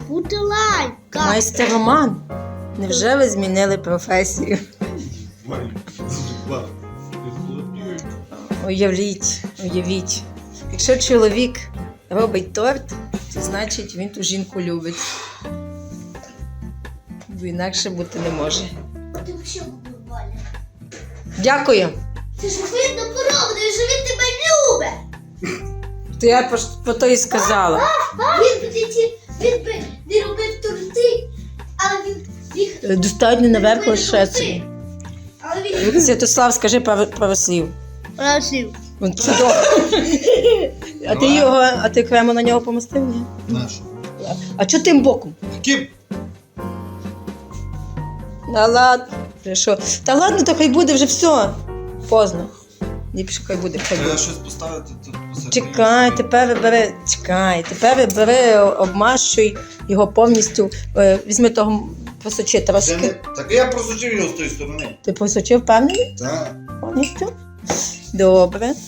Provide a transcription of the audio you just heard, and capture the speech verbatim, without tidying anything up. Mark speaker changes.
Speaker 1: бути лайка.
Speaker 2: Майстер Роман, невже ви змінили професію? Уявіть, уявіть. Якщо чоловік робить торт, то значить він ту жінку любить. Бо інакше бути не може.
Speaker 1: Ти взагалі купували.
Speaker 2: Дякую.
Speaker 1: Це ж видно по роботу, що він тебе любить.
Speaker 2: То я про, про то і сказала.
Speaker 1: Він би ті- він би не робив торти, але він їх
Speaker 2: Достатньо наверх
Speaker 1: робив
Speaker 2: лише
Speaker 1: торти.
Speaker 2: собі.
Speaker 1: Але він
Speaker 2: Святослав, скажи пару, пару слів.
Speaker 1: просив.
Speaker 2: Він чудово. А ти його, а ти крему на нього помастив? Ні?
Speaker 3: Нашу.
Speaker 2: А чого тим боком?
Speaker 3: Ким?
Speaker 2: Та ладно. Ти що? Та ладно, то хай буде вже все. Поздно. Ліпше хай буде, хай
Speaker 3: Треба
Speaker 2: буде.
Speaker 3: щось поставити тут посередині.
Speaker 2: Чекай, тепер бери, чекай, тепер бери, обмащуй його повністю. Е, Візьми того просочи
Speaker 3: Це не...
Speaker 2: трошки.
Speaker 3: Так я просучив його з тої сторони.
Speaker 2: Ти просочив, впевнений?
Speaker 3: Так.
Speaker 2: Повністю? Добре.